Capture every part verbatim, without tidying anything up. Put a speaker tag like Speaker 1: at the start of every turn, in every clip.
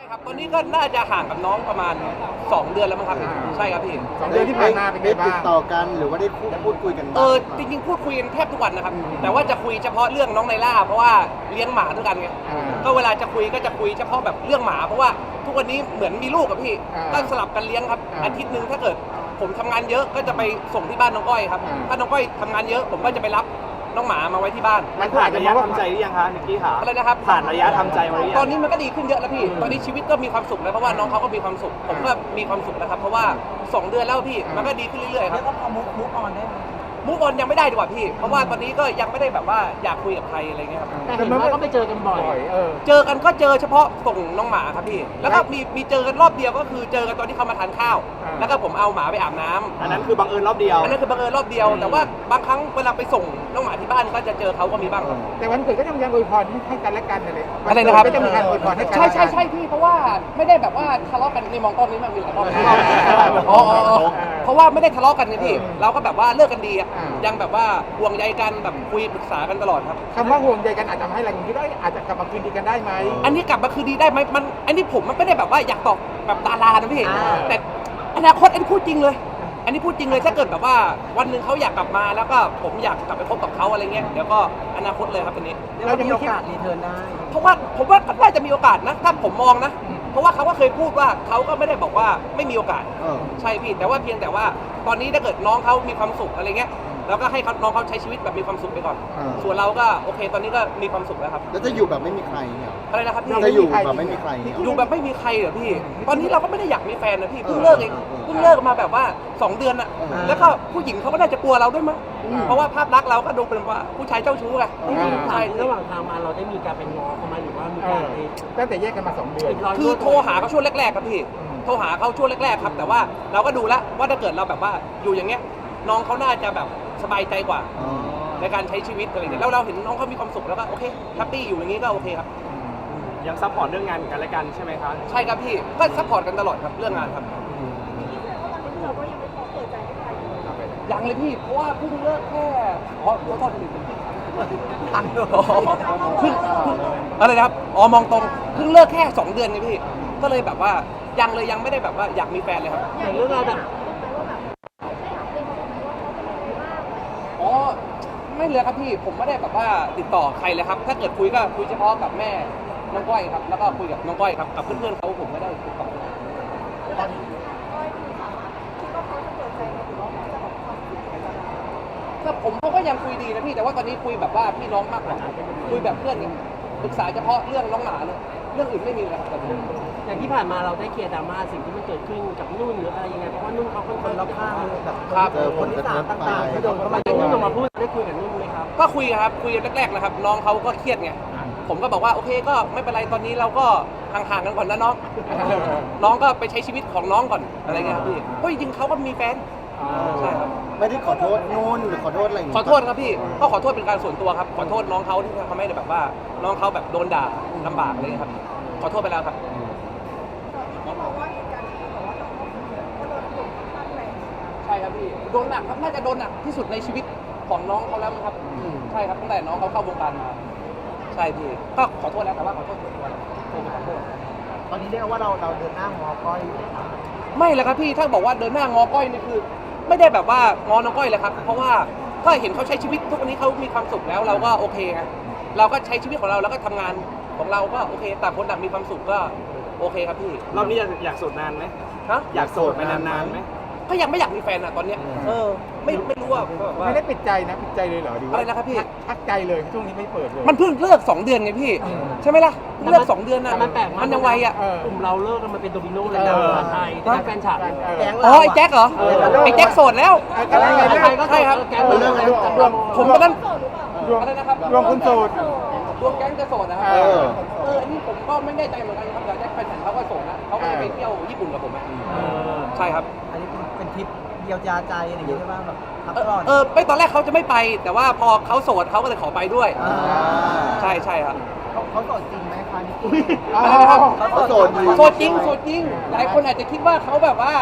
Speaker 1: ครับตอนนี้ก็น่าจะห่างกับน้องประมาณสองเดือนแล้วมั้งครับใช่ครับพี่
Speaker 2: สองเดือนที่ผ่านมาเป็นไง
Speaker 3: ได้ติด
Speaker 2: บ้าง
Speaker 3: ต่อกันหรือว่าได้พูดคุยกัน
Speaker 1: เอ
Speaker 3: บ้าง
Speaker 1: อจริงๆพูดคุยกันแทบทุกวันนะครับแต่ว่าจะคุยเฉพาะเรื่องน้องไนล่าเพราะว่าเลี้ยงหมาด้วยกันไงก็เวลาจะคุยก็จะคุยเฉพาะแบบเรื่องหมาเพราะว่าทุกวันนี้เหมือนมีลูกกับพี่ก็สลับกันเลี้ยงครับอาทิตย์หนึ่งถ้าเกิดผมทำงานเยอะก็จะไปส่งที่บ้านน้องก้อยครับถ้าน้องก้อยทำงานเยอะผมก็จะไปรับน้องหมามาไว้ที่บ้าน
Speaker 4: มันผ่านระยะทำใจหรือยังคะนิกกี้ค่ะ
Speaker 1: อะไรนะครับ
Speaker 4: ผ่านระยะทำใจมาหรือยัง
Speaker 1: ตอนนี้มันก็ดีขึ้นเยอะแล้วพี่ตอนนี้ชีวิตก็มีความสุขแล้วเพราะว่าน้องเขาก็มีความสุขผมก็มีความสุขแล้วครับเพราะว่าสองเดือนแล้วพี่มันก็ดีขึ้นเรื่อยๆครับ
Speaker 5: แล้วก็พอมุกมุกออนได้ไหม
Speaker 1: มูฟออนยังไม่ได้ดีกว่าพี่เพราะว่าตอนนี้ก็ยังไม่ได้แบบว่าอยากคุยกับใครอะไรเงี้ยครับ
Speaker 5: แต่เห็นว่าก็ไปเจอกันบ่อย
Speaker 2: เออ
Speaker 1: เจอกันก็เจอเฉพาะส่งน้องหมาครับพี่แล้วก็มีมีเจอกันรอบเดียวก็คือเจอกันตอนที่เขามาทานข้าวแล้วก็ผมเอาหมาไปอาบน้ำ
Speaker 4: อันนั้นคือบังเอิญรอบเดียว
Speaker 1: อันนั้นคือบังเอิญรอบเดียวแต่ว่าบางครั้งเวลาไปส่งน้องหมาที่บ้านก็จะเจอเขาก็มีบ้างครับ
Speaker 2: แต่วันเกิดก็ยังยังอวยพรให้กันและกันเลย
Speaker 1: อะไรนะครับ
Speaker 2: ก็จะมีการอวยพรให้กัน
Speaker 1: ใช่ใช่ใช่พี่เพราะว่าไม่ได้แบบว่าทะเลาะกันในมองกล้องนี้มันมีหลายรอบอ๋อเพราะว่าไม่ได้ทะเลาะกันไงพี่เราก็แบบว่าเลิกกันดีอ่ะยังแบบว่าห่วงใยกันแบบคุยปรึกษากันตลอดครับ
Speaker 2: คำว่าห่วงใยกันอาจจะทำให้เราคิดว่าอาจจะกลับมาคืนดีกันได้ไหม
Speaker 1: อันนี้กลับมาคืนดีได้ไหมมันอันนี้ผมมันไม่ได้แบบว่าอยากตอบแบบดารานะพี่แต่อนาคตอันนี้พูดจริงเลยอันนี้พูดจริงเลยถ้าเกิดแบบว่าวันหนึ่งเขาอยากกลับมาแล้วก็ผมอยากกลับไปพบกับเขาอะไรเงี้ยเดี๋ยวก็อนาคตเลยครับอันนี้
Speaker 5: เราจะมีโอกาสรีเทิร์นได้
Speaker 1: เพราะว่าผมว่าน่าจะมีโอกาสนะถ้าผมมองนะเพราะว่าเขาก็เคยพูดว่าเขาก็ไม่ได้บอกว่าไม่มีโอกาสใช่พี่แต่ว่าเพียงแต่ว่าตอนนี้ถ้าเกิดน้องเขามีความสุขอะไรเงี้ยแล้วก็ให้น้องเขาใช้ชีวิตแบบมีความสุขไปก่อนส่วนเราก็โอเคตอนนี้ก็มีความสุขแล้วครับ
Speaker 3: แล้วจะอยู่แบบไม่มีใครเนี่ย
Speaker 1: อะไรนะครับพี่
Speaker 3: จะอยู่แบบไม่มีใครเนี่ย
Speaker 1: อยู่แบบไม่มีใครเหรอพี่ตอนนี้เราก็ไม่ได้อยากมีแฟนนะพี่เพิ่งเลิกเองเพิ่งเลิกมาแบบว่าสองเดือนอะแล้วก็ผู้หญิงเขาก็น่าจะกลัวเราด้วยมั้งเพราะว่าภาพลักษณ์เราก็ดูเป็นว่าผู้ชายเจ้าชู้ไง
Speaker 5: ใช่ระหว่างทางมาเราได้มีการเป็นง้อเขาไหมหรือว่ามีการ
Speaker 2: ตั้งแต่แยกกันมาสองเดือน
Speaker 1: คือโทรหาเขาช่วงแรกๆครับพี่โทรหาเขาช่วงแรกๆครับแต่ว่าเราก็ดูแล้วว่าถ้าเกิดเราแบบว่าอยู่อย่างเงี้ยน้องเขาน่าจะแบบสบายใจกว่าในการใช้ชีวิตอะไรอย่างเงี้ยแล้วเราเห็นน้องเขามีความสุขแล้วก็โอเคแฮปปี้อยู่อย่างงี้ก็โอเคครับ
Speaker 4: ยังซัพพอร์ตเรื่องงานกันและกันใช่ไหมครับ
Speaker 1: ใช่ครับพี่ก็ซัพพอร์ตกันตลอดครับเรื่องงานครับยังเลยพี่เพราะว่าเพิ่งเลิกแค่อ๋อขอโทษทีตังค์เพิ่งอะไรนะครับอ๋อมองตรงเพิ่งเลิกแค่สองเดือนไงพี่ก็เลยแบบว่ายังเลยยังไม่ได้แบบว่าอยากมีแฟนเลยครับ
Speaker 5: อย่างเรื่องเราแบบ
Speaker 1: อ๋อไม่เลยครับพี่ผมไม่ได้แบบว่าติดต่อใครเลยครับถ้าเกิดคุยก็คุยเฉพาะกับแม่น้องก้อยครับแล้วก็คุยกับน้องก้อยครับกับเพื่อนๆเขาผมไม่ได้ติดต่อก็ผมเขาก็ยังคุยดีนะพี่แต่ว่าตอนนี้คุยแบบว่าพี่น้องมากกว่าคุยแบบเพื่อนไงปรึกษาเฉพาะเรื่องน้องหมาเลยเรื่องอื่นไม่มีเลยครับตอนนี้
Speaker 5: อย่างที่ผ่านมาเราได้เคลียร์ดราม่าสิ่งที่มันเกิดขึ้นกับนุ่นหรืออะไรยังไงเพราะว่านุ่นเขาค่อนข้างรอบข้างแบบคนที่สามต่างๆที่โดนเข้ามานุ่นออกมาพูดได้คุยกับนุ่นไหมครับ
Speaker 1: ก็คุยครับคุยแรกๆนะครับน้องเขาก็เครียดไงผมก็บอกว่าโอเคก็ไม่เป็นไรตอนนี้เราก็ห่างๆกันก่อนนะน้องน้องก็ไปใช้ชีวิตของน้องก่อนอะไรเงี้ยครับพี่เพราะจริงๆเขาก็มีแฟนใช่ครับ
Speaker 3: ไม่ได้ขอโทษนู่นหรือขอโทษอะไรอย่าง
Speaker 1: เงี้ยขอโทษครับพี่ก็ขอโทษเป็นการส่วนตัวครับขอโทษน้องเขาที่ทำให้แบบว่าน้องเขาแบบโดนด่าลำบากอะไรครับขอโทษไปแล้วครับใช่ครับพี่โดนหนักครับน่าจะโดนหนักที่สุดในชีวิตของน้องเขาแล้วครับใช่ครับตั้งแต่น้องเขาเข้าวงการมาใช่พี่ก็ขอโทษแล้วแต่ว่าขอโทษส่วนตัวโทรไปขอโทษ
Speaker 5: ตอนนี้เรียกว่าเราเราเดินหน้างอก้อย
Speaker 1: ไม่เลยครับพี่ถ้าบอกว่าเดินหน้างอก้อยนี่คือไม่ได้แบบว่างอน้องก้อยเลยครับเพราะว่าก็เห็นเขาใช้ชีวิตทุกวันนี้เขามีความสุขแล้วเราก็โอเคไงเราก็ใช้ชีวิตของเราแล้วก็ทำงานของเราก็โอเคต่างคนต่างมีความสุขก็โอเคครับพี่
Speaker 4: รอบนี้อยากโสดนานไหม
Speaker 1: ฮะ
Speaker 4: อยากโสดไปนานๆไหม
Speaker 1: ก็ยังไม่อยากมีแฟนอ่ะตอนเนี้ยเออไม่ไม่รู้ว่า
Speaker 2: ไม่ได้ปิดใจนะปิดใจเลยเหรอดี
Speaker 1: อะไรนะครับพี่
Speaker 2: ทักใจเลยช่วงนี้ไม่เปิดเลย
Speaker 1: มันเพิ่งเลิกสองเดือนไงพี่ใช่ไหมล่ะเลิกสองเดือนน่ะ
Speaker 5: มันแปลก
Speaker 1: มันยังไวอ่ะ
Speaker 5: กลุ่มเราเลิกกันมาเป็นโดมิโนเลยนะไทยแฟนฉัน
Speaker 1: อ๋อไอ้แจ็คเหรอไอ้แจ็คโสดแล้วใช่ครับ
Speaker 5: แก๊งเรื่องอะไร
Speaker 1: ผมตอนนั้นอะไรนะครับ
Speaker 2: รวมคุณโสด
Speaker 1: รวมแก๊งจะโสดนะครับเออเอออันนี้ผมก็ไม่แน่ใจเหมือนกันครับแต่แจ็คแฟนฉันเขาก็โสดนะเขาก็ไปเที่ยวญี่ปุ่นกับผมใช่ครับ
Speaker 5: อันนี้เป็นทริปเยียวยาใจอะไรอย่างเงี้ยใช่ไหมแบบพักผ่อน
Speaker 1: เออไม่ตอนแรกเขาจะไม่ไปแต่ว่าพอเขาโสดเขาก็เลยขอไปด้วยใช่ใช่ครับ
Speaker 5: เขาโสดจริงไหมคะนี่
Speaker 1: อะไรนะครับ
Speaker 3: เขาโสด
Speaker 1: โสดจริงโสดจริงหลายคนอาจจะคิดว่าเขาแบบว่า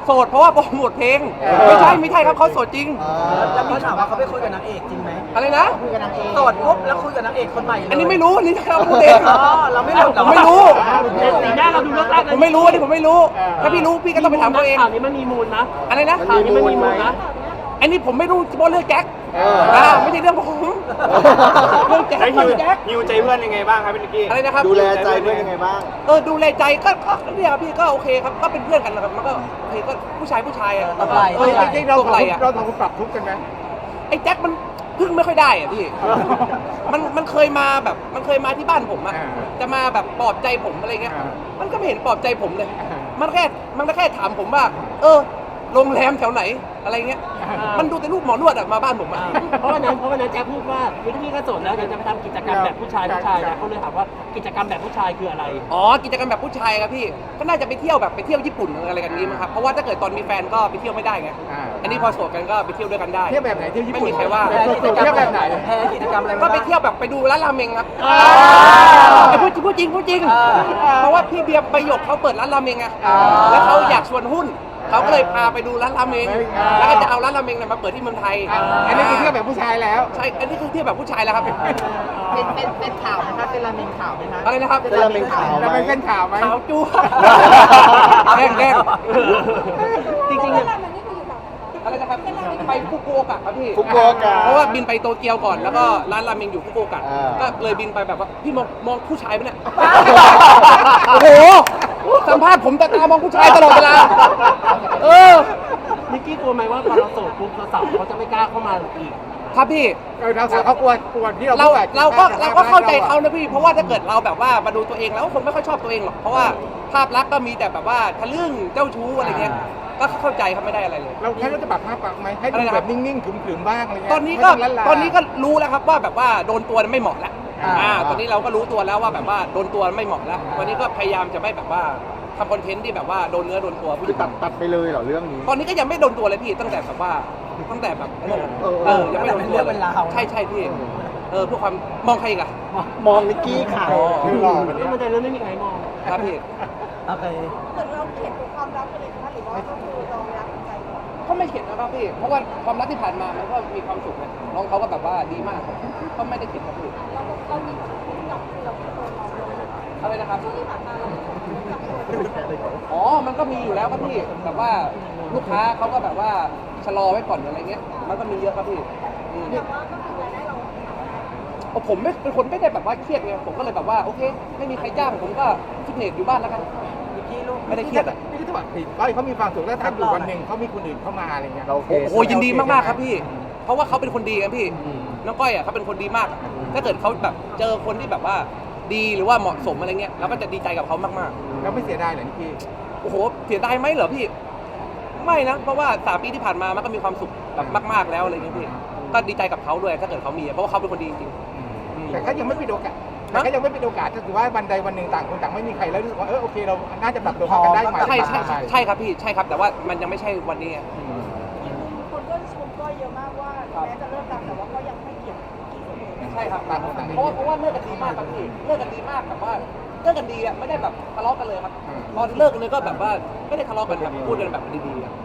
Speaker 1: โสดเพราะว่าโปรโมทเพลงไม่ใช่ไม่ใช่ครับเขาโสดจริง
Speaker 5: แล้วมีข่าวว่าเขาไปคุยกับนางเอกจริงไหม
Speaker 1: อะไรนะ
Speaker 5: คุยกับนางเอกโสดปุ๊บแล้วคุยกับนางเอกคนใหม่เลย
Speaker 1: อันนี้ไม่รู้อันนี้เขาพูดเอง
Speaker 5: อ๋อเราไม่รู้
Speaker 1: ผมไม่รู้
Speaker 5: สีหน้าเราดูเลิกลัก
Speaker 1: ผมไม่รู้อันนี้ผมไม่รู้ถ้าพี่รู้พี่ก็ต้องไปถามตัวเอง
Speaker 5: ข่าวนี้มันมีมูลนะ
Speaker 1: อะไรนะ
Speaker 5: ข่าวนี้มันมีมูลนะ
Speaker 1: อันนี้ผมไม่รู้เฉพาะเรื่องแจ็คอ่าไม่ใช่เรื่องผมเรื่องแจ็ค
Speaker 4: แล้ว
Speaker 1: เรื่
Speaker 4: ฮิว
Speaker 1: องแจ็ค
Speaker 4: ฮิวใจเพื่อนยังไงบ้างครับพี่นิกกี้
Speaker 1: อะไรนะครับ
Speaker 3: ดูแลใจเพื่อนยังไงบ้าง
Speaker 1: เออดูแลใจก็ก็เนี่ยครับพี่ก็โอเคครับก็เป็นเพื่อนกันนะครับมันก็โอเคก็ผู้ชายผู้ชายอ่ะ
Speaker 5: ตบไหล่
Speaker 1: เออ
Speaker 2: จริงๆเรา
Speaker 1: ตบไหล่อ่ะ
Speaker 2: เราทำปรับทุกข์กันไหม
Speaker 1: ไอ้แจ็คมันพึ่งไม่ค่อยได้อ่ะพี่ มันมันเคยมาแบบมันเคยมาที่บ้านผมอะ
Speaker 2: อ่า
Speaker 1: จะมาแบบปลอบใจผมอะไรเงี้ย
Speaker 2: อ่า
Speaker 1: มันก็ไม่เห็นปลอบใจผมเลย
Speaker 2: อ่า
Speaker 1: มันแค่มันก็แค่ถามผมว่า เออโรงแรมแถวไหนอะไรเงี้ย
Speaker 2: อ่ามั
Speaker 1: มันดูแต่รูปหมอนวดอะมาบ้านผมอะ
Speaker 5: เพราะวันนั้นเพราะวันนั้นแจ๊คพูดว่าวิธีก็โสดแล้วเดี๋ยวจะไปทำกิจกรรมแบบผู้ชายผู้ชายนะเขาเลยถามว่ากิจกรรมแบบผู้ชายคืออะไร
Speaker 1: อ๋อกิจกรรมแบบผู้ชายครับพี่ ก็น่าจะไปเที่ยวแบบไปเที่ยวญี่ปุ่นอะไรกันนี้มั้งครับ เพราะว่าถ้าเกิดตอนมีแฟนก็ไปเที่ยวไม่ได้ไง
Speaker 2: อ่า
Speaker 1: อันนี้พอโสดกันก็ไปเที่ยวด้วยกันได้
Speaker 2: เที่ยวแบบไหนเที่ยวญี่ปุ่น
Speaker 1: ไม่มีใครว่า
Speaker 2: เที่ยวแบบไหน
Speaker 5: แพ้กิจกรรมอะไร
Speaker 1: ก็ไปเที่ยวแบบไปดูร้านราเมงครับ
Speaker 5: อ่า
Speaker 1: ไอ้พูดจริงพูดจริงพูดจริง
Speaker 5: อ่า
Speaker 1: เพราะว่าพี่เบียร์ประโยคเขาเปิดร้านราเมงไง
Speaker 2: อ่า
Speaker 1: แล้วเขาอยากชวนหุ้น เขาก็เลยพาไปดูร้านราเมง
Speaker 2: อ่า
Speaker 1: แล้วก็จะเอาร้านราเมงเนี่ยมาเปิดที่เมืองไทย
Speaker 2: อ่ะอันนี้คือเที่ยวแบบผู้ชายแล้ว
Speaker 1: ใช่ อันนี้คือเที่ยวแบบผู้ชายแล้วครับ
Speaker 5: เป็นเป็นเป็นข่าวไหมคะเป็นราเมงข่าวไหมคะ
Speaker 1: อะไรนะครับ
Speaker 3: เป็นราเมงขาว
Speaker 2: แล้วมันเป็นข่าวไหม
Speaker 1: ขาวจั๊วแดงแดงจริงๆเนี่ยอะไรนะครับ ไปฟุกุโอกะครับพี่
Speaker 3: ฟุกุโอกะ
Speaker 1: เพราะว่าบินไปโตเกียวก่อน แล้วก็ร้านราเมงอยู่ฟุกุโอกะ
Speaker 3: อ่า
Speaker 1: ก็เลยบินไปแบบว่าพี่มองมองผู้ชายปะเนี่ย โอ้โห สัมภาษณ์ผมแต่ตามองผู้ชายตลอดเวลา เออ
Speaker 5: นิกกี้กลัวไหมว่าพอเราโสดปุ๊บเราสาวเขาจะไม่กล้าเข้ามาอีก
Speaker 1: ครับพี่
Speaker 2: เออเราสาวเขากลัวกลัวที่เรา
Speaker 1: เรา
Speaker 2: พูดอะ
Speaker 1: เราก็
Speaker 2: จะ
Speaker 1: เราก็เข้าใจ
Speaker 2: อะ
Speaker 1: เขานะพี่ เพราะว่าถ้าเกิดเราแบบว่ามาดูตัวเองแล้วก็คงไม่ค่อยชอบตัวเองหรอก เพราะว่าภาพลักษณ์ก็มีแต่แบบว่าทะลึ่งเจ้าชู้อะไรเงี้ย ก็เข้าใจเขาไม่ได้อะไรเลย
Speaker 2: เราแค่เราจะปรับภาพปรับไหมให้
Speaker 1: อะไร
Speaker 2: ดู
Speaker 1: นะค
Speaker 2: แบ
Speaker 1: รับ
Speaker 2: บนิ่งๆขรึมๆบ้างอะไรเงี้ย
Speaker 1: ตอนนี้ก็
Speaker 2: ไม่งลั่า
Speaker 1: ตอนนี้ก็รู้แล้วครับว่าแบบว่าโดนตัวไม่เหมาะแล้ว
Speaker 2: อ่า
Speaker 1: อ่า ตอนนี้เราก็รู้ตัวแล้วว่าแบบว่าโดนตัวไม่เหมาะแล้ว ตอนนี้ก็พยายามจะไม่แบบว่าทำคอนเทนต์ที่แบบว่าโดนเนื้อโดนตัวผู้ห
Speaker 3: คื
Speaker 1: ญิ
Speaker 3: อง ตัดตัดไปเลยเหรอเรื่องนี้
Speaker 1: ตอนนี้ก็ยังไม่โดนตัวเลยพี่ ตั้งแต่แบบว่าตั้งแต่แบบนั่นน่ะ
Speaker 3: เออ
Speaker 1: เออ ยังไม่โดนตัว
Speaker 5: เป็นเรื่องเป็นราว
Speaker 1: ใช่ใช่พี่ เออเพื่อความมองใครอีกอะ
Speaker 3: มองนิกกี้ขาว
Speaker 2: คือหล่อแบบ
Speaker 5: ก็
Speaker 2: นี้
Speaker 5: มันจะเริ่มไม่มีใครมอง
Speaker 1: ครับพี่
Speaker 5: โอเค
Speaker 6: เหมือนเราเขียนตัวความรักไปเลยนะคะหรือว่าก็คือเรารักใจก่อน
Speaker 1: ก็ไม่เข็ดนะครับพี่ เพราะว่าความรักที่ผ่านมามันก็มีความสุขนะน้องเขาก็แบบว่าดีมากครับก็ไม่ได้เข็ดครับพี่
Speaker 6: เราเรามีแบบกับเราเป็นตัวเราเลย
Speaker 1: อะไรนะครับ
Speaker 6: ช่วงที่ผ่านมาเรากับตัว
Speaker 1: อ๋อ มันก็มีอยู่แล้วครับพี่ แบบว่าลูกค้าเขาก็แบบว่าชะลอไว้ก่อนอะไรเงี้ย มันก็มีเยอะครับพี่อืม
Speaker 6: แต่ว่าก็คือรายได้เรา
Speaker 1: โอ้ผมไม่เป็นคนไม่ได้แบบว่าเครียดไง ผมก็เลยแบบว่าโอเค ไม่มีใครจ้างผมก็ฟิตเนสอยู่บ้านแล้วกัน
Speaker 5: นิกกี้ลูก
Speaker 1: ไม่ได้เครียดอะ
Speaker 2: นี่คือถ้าแบบก้อยเขามีความสุขแล้วถ้าอยู่วันหนึ่งเขามีคนอื่นเข้ามาอะไรเงี้ย
Speaker 3: เราโอเค
Speaker 1: โอ้โหยินดีมากๆครับพี่ เพราะว่าเขาเป็นคนดีครับพี่
Speaker 3: อืม
Speaker 1: น้องก้อยอ่ะเขาเป็นคนดีมาก ถ้าเกิดเขาแบบเจอคนที่แบบว่าดีหรือว่าเหมาะสมอะไรเงี้ยเราก็จะดีใจกับเขามาก
Speaker 2: เราไม่เสียดายเหรอนิกกี้
Speaker 1: ๆ โอ้โห เสียดายไหมเหรอพี่ ไม่นะ เพราะว่าสามปีที่ผ่านมามันก็มีความสุขแบบมาก ๆแล้วอะไรเงี้ยพี่ ก็ดีใจกับเขาด้วยถ้าเกิดเขามีอะเพราะว่าเขาเป็นคนดีจริงๆอืม
Speaker 2: แต่ก็ยังไม่เป็นโอกาสแต่ก็ยังไม่เป็นโอกาสก็คือว่าวันใดวันหนึ่งต่างคนต่างไม่มีใครแล้วรู้สึกว่าเออโอเคเราน่าจะปรับตัวเข้ากันได้ไหม
Speaker 1: ใช่ใช่ใช่ใช่ครับพี่ ใช่ครับ แต่ว่ามันยังไม่ใช่วันนี้ไง
Speaker 6: คนก็ชมก้อยเยอะมากว่าแม้จะเลิกกันแต่ว่าก็ยังไม่เกลียดกี่เสมอ
Speaker 1: ใช่ครับ
Speaker 2: ต่างคนต่าง
Speaker 1: เพราะว่าเพราะว่าเลิกกันดีมากครับพี่ เลิกกันดีมากแบบว่าเลิกกันดีอ่ะไม่ได้แบบทะเลาะกันเลยครับ ตอนเลิกกันเลยก็แบบว่าไม่ได้ทะเลาะกันแบบพูดกันแบบดีๆอะ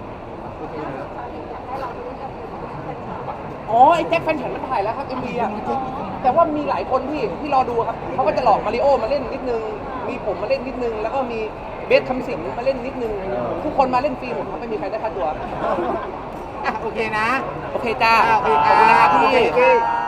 Speaker 1: อ๋อไอ้แจ็คแฟนฉันมันถ่ายแล้วครับเอ็มวีอ่ะแต่ว่ามีหลายคนที่ที่รอดูครับเขาก็จะหลอกมาริโอมาเล่นนิดนึง มีผมมาเล่นนิดนึง แล้วก็มีเบสคำสิงมาเล่นนิดนึง ทุกคนมาเล่นฟรีหมดครับไม่มีใครได้ค่าตัว
Speaker 2: อ่ะโอเคนะ
Speaker 1: โอเคจ้า
Speaker 2: อ่ะโอเค
Speaker 1: ขอบคุณนะครับ
Speaker 2: โอ
Speaker 1: พี่
Speaker 2: เค